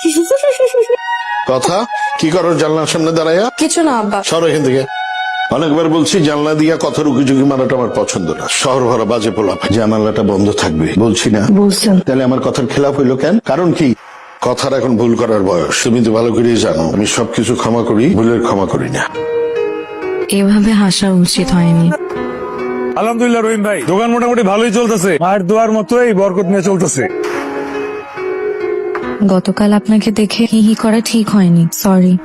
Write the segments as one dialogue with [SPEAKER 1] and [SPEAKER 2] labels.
[SPEAKER 1] কথা কি করো জানলার সামনে দাঁড়াইয়া?
[SPEAKER 2] কিছু না আব্বা।
[SPEAKER 1] সরো এখান থেকে। অনেকবার বলছি জানলা দিয়া কথা রুকিঝুঁকি মারাটা আমার পছন্দ না। শহর ভরা বাজে পোলা, জানালাটা বন্ধ থাকবে বলছি না?
[SPEAKER 2] বলছেন।
[SPEAKER 1] তাহলে আমার কথার খেলাপ হইলো কেন? কারণ কি? কথার এখন ভুল করার বয়স, তুমি তো ভালো করেই জানো। আমি সবকিছু ক্ষমা করি, ভুলের ক্ষমা করি না।
[SPEAKER 2] এভাবে হাসা উচিত হয়নি।
[SPEAKER 3] আলহামদুলিল্লাহ রহিম ভাই, দোকান মোটামুটি ভালোই চলতেছে। মায়ের দোয়ার মতোই বরকত নিয়ে চলতেছে।
[SPEAKER 2] গতকাল আপনাকে দেখে হি হি করা ঠিক হয়নি, সরি।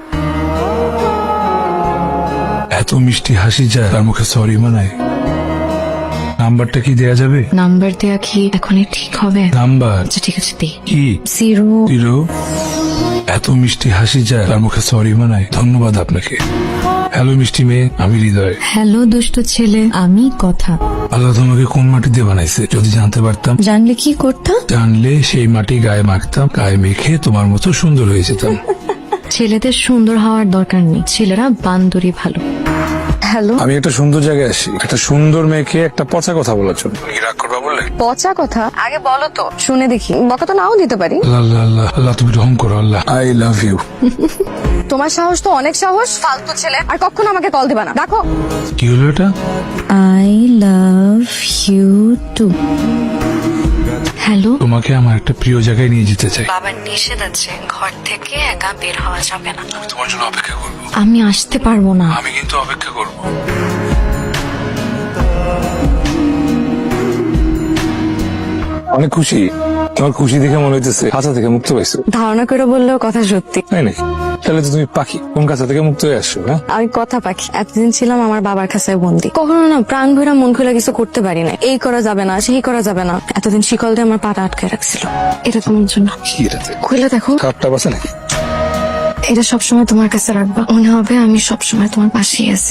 [SPEAKER 4] এত মিষ্টি হাসি যায়, তার মুখে সরি মানায়। নাম্বারটা কি দেয়া যাবে?
[SPEAKER 2] নাম্বার দেয়া কি এখনই ঠিক হবে?
[SPEAKER 4] নাম্বার
[SPEAKER 2] আচ্ছা ঠিক আছে, দে।
[SPEAKER 4] কি?
[SPEAKER 2] 0
[SPEAKER 4] এত মিষ্টি হাসি যায়, তার মুখে সরি মানায়। ধন্যবাদ আপনাকে। হ্যালো মিষ্টি মেয়ে, আমি হৃদয়।
[SPEAKER 2] হ্যালো দুষ্ট ছেলে, আমি কথা।
[SPEAKER 4] আল্লাহ তোমাকে কোন মাটি দিয়ে বানাইছে যদি জানতে পারতাম?
[SPEAKER 2] জানলে কি করতাম?
[SPEAKER 4] জানলে সেই মাটি গায়ে মাখতাম, গায়ে মেখে তোমার মতো সুন্দর হয়ে যেতাম।
[SPEAKER 2] ছেলেদের সুন্দর হওয়ার দরকার নেই, ছেলেরা বান্দরই ভালো। হ্যালো।
[SPEAKER 4] আমি একটা সুন্দর জায়গায় আসি, একটা সুন্দর মেয়েকে একটা পচা কথা বলার জন্য। কি রাগ করবা বললে?
[SPEAKER 2] পচা কথা আগে বলো তো, শুনে দেখি। বকা তো নাও দিতে পারি।
[SPEAKER 4] আল্লাহ আল্লাহ আল্লাহ আল্লাহ, তুমি রহম করো আল্লাহ। I love you.
[SPEAKER 2] তোমার সাহস তো অনেক সাহস, ফালতু ছেলে। আর কখনো আমাকে কল দিবা না, রাখো।
[SPEAKER 4] কি হলো এটা?
[SPEAKER 2] I love you too. Hello.
[SPEAKER 4] তোমাকে আমার একটা প্রিয় জায়গায় নিয়ে যেতে চাই।
[SPEAKER 2] বাবার নিষেধ আছে, ঘর থেকে একা বের হওয়া যাবে না।
[SPEAKER 4] আমি তোমার জন্য অপেক্ষা করবো।
[SPEAKER 2] আমি আসতে পারবো না।
[SPEAKER 4] আমি কিন্তু অপেক্ষা করবো। অনেক খুশি। তোমার খুশি দেখে মনে হইতেছে খাঁচা থেকে মুক্ত পাইছো।
[SPEAKER 2] ধারণা করে বললেও কথা সত্যি।
[SPEAKER 4] তাই নাকি? তাহলে তো তুমি পাখি, কোন খাঁচা থেকে মুক্ত হয়ে আসছো? হ্যাঁ,
[SPEAKER 2] আমি কথা পাখি। এতদিন ছিলাম আমার বাবার কাছে বন্দি। কখনো না প্রাণ ভরা মন খুলে কিছু করতে পারি না। এই করা যাবে না, সেই করা যাবে না। এতদিন শিকল দিয়ে আমার পাটা আটকে রাখছিল। এটা তোমার জন্য।
[SPEAKER 4] কি এটাতে
[SPEAKER 2] খুলে দেখো।
[SPEAKER 4] খাপটা বাসে নাকি?
[SPEAKER 2] এটা সবসময় তোমার কাছে রাখবা, মনে হবে আমি সবসময় তোমার পাশেই আছি।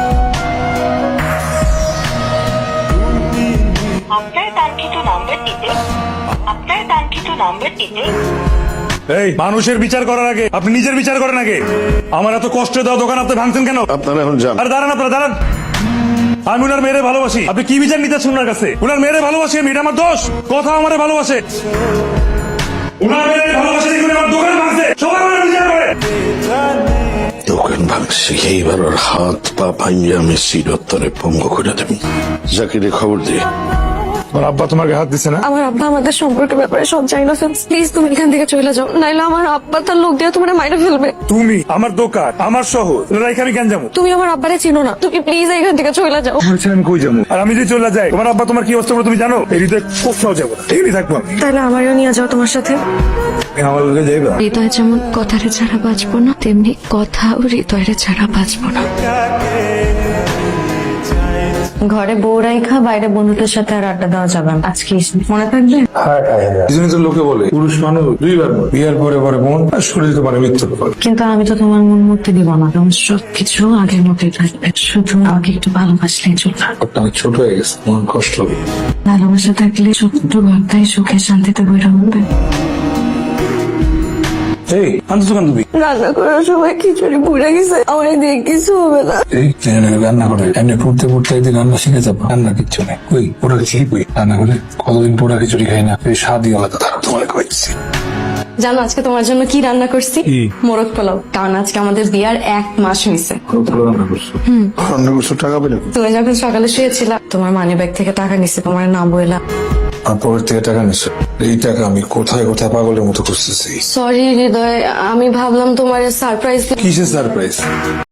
[SPEAKER 3] এই মানুষের বিচার করার আগে আপনি নিজের বিচার করেন আগে। আমার এত কষ্ট দেওয়া দোকান আপনি ভাঙছেন কেন?
[SPEAKER 1] আপনারা এখন যান।
[SPEAKER 3] আরে দাঁড়ান, আপনারা দাঁড়ান। আমি উনার মেয়েরে ভালোবাসি, আপনি কি বিচার নিতেছেন ওনার কাছে? উনার মেয়েরে ভালোবাসি আমি, এটা আমার দোষ? কথা আমারে ভালোবাসে, উনার মেয়েরে ভালোবাসে দেখুন আমার দোকান ভাঙছে। সবাই ওনার বিচার করে।
[SPEAKER 1] দোকান ভাঙছি, এইবার ওর হাত পা ভাঙিয়ে আমি চিরতরে পঙ্গু করে দেব। জাকিরে খবর দিয়ে।
[SPEAKER 4] তোমার আব্বা তোমাকে হাত দিছে না?
[SPEAKER 2] আমার আব্বা আমাদের সম্পর্কের ব্যাপারে সব জানি না। প্লিজ তুমি এখান থেকে চলে যাও, নাইলে আমার আব্বা তার লোক দিয়ে তোমার মাইরে ফেলবে।
[SPEAKER 3] তুমি আমার দোকান, আমার শহর, এখানে কেন যাবো?
[SPEAKER 2] তুমি আমার আব্বারে চিনো না, তুমি প্লিজ এখান থেকে চলে যাও।
[SPEAKER 3] আমি কই যাবো? আর আমি যদি চলে যাই, তোমার আব্বা তোমার কি অবস্থা করে তুমি জানো? এই হৃদয় কোথাও যাবো না, এখানেই থাকবো আমি।
[SPEAKER 2] তাহলে আমারও নিয়ে যাও তোমার সাথে।
[SPEAKER 3] আমার লোকে যাইবা?
[SPEAKER 2] হৃদয় যেমন কথারে ছাড়া বাঁচবো না, তেমনি কথা ও হৃদয়ের ছাড়া বাঁচবো না। ঘরে বউ রাইখা বাইরে বন্ধুদের সাথে আর আড্ডা দেওয়া যাবে না। আজকে মনে থাকবে।
[SPEAKER 4] এই তো লোকে বলে পুরুষ মানুষ দুইবার মরে। বিয়ার পরে পরে মন আর শরীর তো পারে মৃত্যুর পর।
[SPEAKER 2] কিন্তু আমি তো তোমার মন মুক্তি দিব না, তোমার সবকিছু আগের মতোই থাকবে। শুধু আমাকে একটু ভালোবাসলেই চলবে।
[SPEAKER 4] অনেক ছোট হয়ে গেছে, মন কষ্ট হবে।
[SPEAKER 2] ভালোবাসা থাকলে ছোট্ট ঘরটাই সুখে শান্তিতে বইরা হবে।
[SPEAKER 3] এই আনছো কেন তুমি?
[SPEAKER 2] রান্না করার সময় খিচুড়ি পুড়ে গেছে, আমার দিয়ে কিছু হবে না।
[SPEAKER 4] এই রান্না করে এমনি পড়তে পড়তে একদিন রান্না শিখে যাবো। রান্না কিচ্ছু নেই, কই পোড়া খিচুড়ি কই? রান্না করে কতদিন পোড়া খিচুড়ি খাই না, এই স্বাদই আলাদা। তারা তোমার খাইছি।
[SPEAKER 2] জানো আজকে তোমার জন্য কি রান্না করছি?
[SPEAKER 4] কি?
[SPEAKER 2] মোরগ পোলাও। কারণ আজকে আমাদের বিয়ার 1 মাস হয়েছে।
[SPEAKER 4] রান্না করছো?
[SPEAKER 1] অন্য কিছু টাকা পেলে
[SPEAKER 2] তুমি যখন সকালে শুয়েছিলা, তোমার মানি ব্যাগ থেকে টাকা নিছে, তোমার না বইলা।
[SPEAKER 4] আর পরের থেকে টাকা নিচ্ছে। এই টাকা আমি কোথায় কোথায় পাগলের মতো খুঁজতেছি।
[SPEAKER 2] সরি হৃদয়, আমি ভাবলাম তোমার সারপ্রাইজ।
[SPEAKER 4] কিসের সারপ্রাইজ?